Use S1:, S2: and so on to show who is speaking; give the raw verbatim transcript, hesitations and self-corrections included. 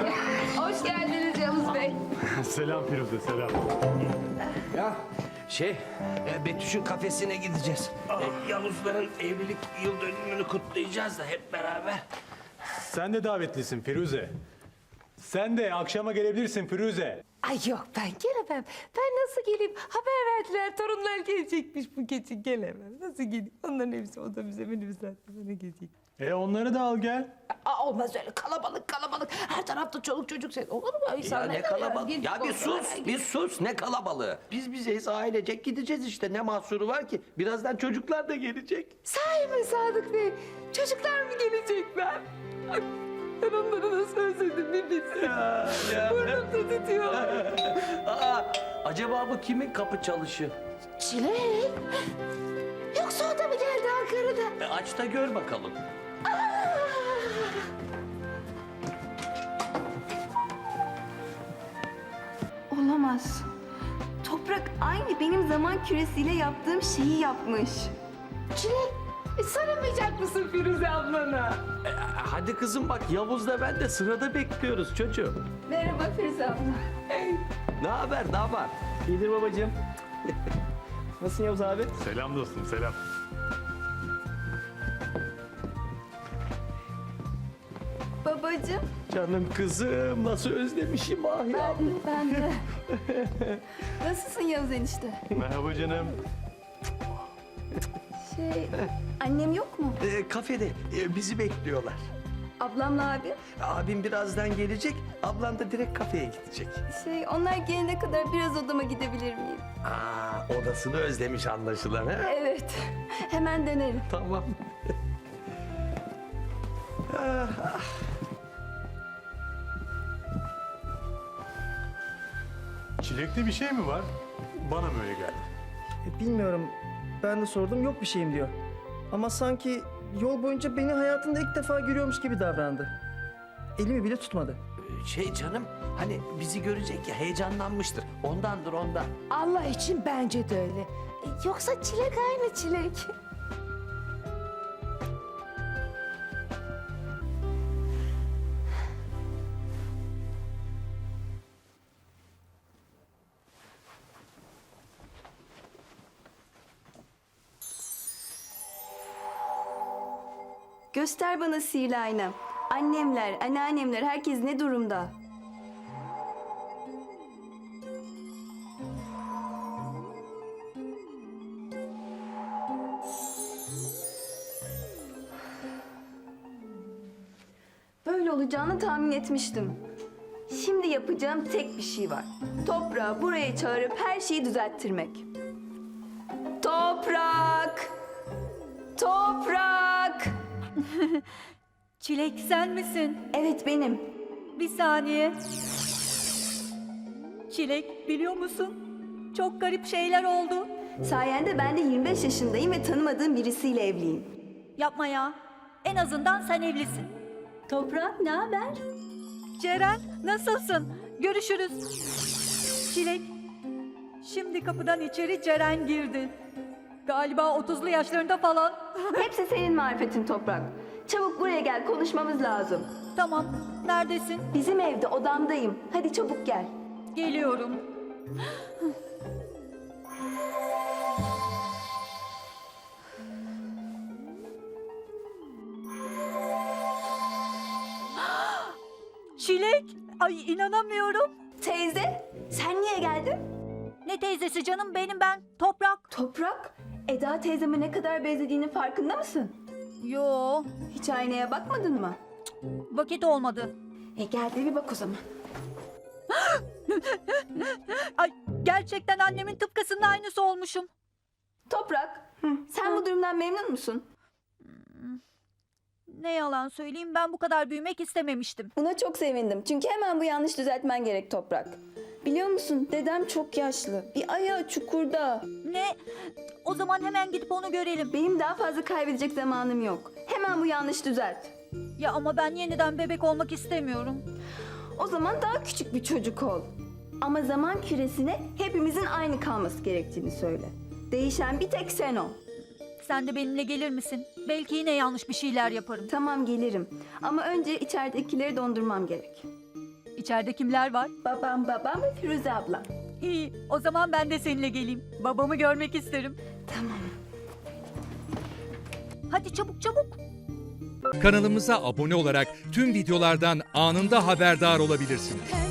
S1: Hoş geldiniz Yavuz Bey.
S2: Selam Firuze, selam.
S3: Ya şey, e, Betüş'ün kafesine gideceğiz. E, Yavuzların evlilik yıl dönümünü kutlayacağız da hep beraber.
S2: Sen de davetlisin Firuze. Sen de akşama gelebilirsin Firuze.
S1: Ay yok ben gelemem. Ben nasıl geleyim? Haber verdiler torunlar gelecekmiş bu gece gelemem. Nasıl geleyim? Onların hepsi otobüse minibüse bana gelecek.
S2: E onları da al gel.
S1: Aa, olmaz öyle kalabalık kalabalık. Her tarafta çoluk çocuk sen. Olur mu?
S3: Ya
S1: İnsanlar
S3: ne kalabalık?
S1: Gidip
S3: Ya bir
S1: orada-
S3: sus, bir sus. Ne kalabalığı? Biz bizeyiz, ailecek gideceğiz işte. Ne mahsuru var ki? Birazdan çocuklar da gelecek.
S1: Sahi mi Sadık Bey? Çocuklar mı gelecekler? Ay, ben onları nasıl özledim bir bilsin. Burnum da tutuyor.
S3: Aa, acaba bu kimin kapı çalışı?
S1: Çilek. Yoksa o da mı geldi Ankara'da?
S3: E, aç da gör bakalım.
S4: Olamaz. Toprak aynı benim zaman küresiyle yaptığım şeyi yapmış.
S1: Çilek, e, sarılmayacak mısın Firuze ablana?
S3: E, hadi kızım bak, Yavuz'la ben de sırada bekliyoruz çocuğum.
S4: Merhaba Firuze abla.
S3: Ne haber, ne var?
S5: İyidir babacığım. Nasılsın Yavuz abi?
S2: Selam dostum, selam.
S4: Babacığım.
S3: Canım kızım, nasıl özlemişim ah ya.
S4: Ben de. Nasılsın Yavuz enişte?
S2: Merhaba canım.
S4: Şey, annem yok mu?
S3: E, kafede e, bizi bekliyorlar.
S4: Ablamla abi.
S3: Abim birazdan gelecek, ablam da direkt kafeye gidecek.
S4: Şey, onlar gelene kadar biraz odama gidebilir miyim?
S3: Aa, odasını özlemiş anlaşılan ha?
S4: Evet. Hemen dönerim.
S3: Tamam.
S2: Çilekte bir şey mi var? Bana mı öyle geldi?
S5: E, bilmiyorum. Ben de sordum, yok bir şeyim diyor. Ama sanki yol boyunca beni hayatında ilk defa görüyormuş gibi davrandı. Elimi bile tutmadı.
S3: Şey canım, hani bizi görecek ya, heyecanlanmıştır. Ondandır ondan.
S1: Allah için bence de öyle. E, Yoksa Çilek aynı Çilek.
S4: Göster bana sihirli aynam. Annemler, anneannemler, herkes ne durumda? Böyle olacağını tahmin etmiştim. Şimdi yapacağım tek bir şey var. Toprağı buraya çağırıp her şeyi düzelttirmek. Toprak! Toprak!
S6: Çilek sen misin?
S4: Evet benim.
S6: Bir saniye. Çilek biliyor musun? Çok garip şeyler oldu.
S4: Sayende ben de yirmi beş yaşındayım ve tanımadığım birisiyle evliyim.
S6: Yapma ya. En azından sen evlisin.
S4: Toprak ne haber?
S6: Ceren nasılsın? Görüşürüz. Çilek. Şimdi kapıdan içeri Ceren girdi. Galiba otuzlu yaşlarında falan.
S4: Hepsi senin marifetin Toprak. Çabuk buraya gel, konuşmamız lazım.
S6: Tamam. Neredesin?
S4: Bizim evde, odamdayım. Hadi çabuk gel.
S6: Geliyorum. Çilek. Ay inanamıyorum.
S4: Teyze, sen niye geldin?
S6: Ne teyzesi canım, benim ben. Toprak.
S4: Toprak, Eda teyzeme ne kadar benzediğinin farkında mısın?
S6: Yo.
S4: Hiç aynaya bakmadın mı?
S6: Vakit olmadı.
S4: E gel de bir bak o zaman.
S6: Ay gerçekten annemin tıpkısının aynısı olmuşum.
S4: Toprak, sen bu durumdan memnun musun?
S6: Ne yalan söyleyeyim, ben bu kadar büyümek istememiştim.
S4: Buna çok sevindim. Çünkü hemen bu yanlış düzeltmen gerek Toprak. Biliyor musun dedem çok yaşlı. Bir ayağı çukurda.
S6: Ne? O zaman hemen gidip onu görelim.
S4: Benim daha fazla kaybedecek zamanım yok. Hemen bu yanlış düzelt.
S6: Ya ama ben yeniden bebek olmak istemiyorum.
S4: O zaman daha küçük bir çocuk ol. Ama zaman küresine hepimizin aynı kalması gerektiğini söyle. Değişen bir tek sen ol.
S6: Sen de benimle gelir misin? Belki yine yanlış bir şeyler yaparım.
S4: Tamam gelirim. Ama önce içeridekileri dondurmam gerek.
S6: İçeride kimler var?
S4: Babam, babam ve Firuze ablam.
S6: İyi, o zaman ben de seninle geleyim. Babamı görmek isterim.
S4: Tamam.
S6: Hadi çabuk çabuk.
S7: Kanalımıza abone olarak tüm videolardan anında haberdar olabilirsiniz.
S8: Pembe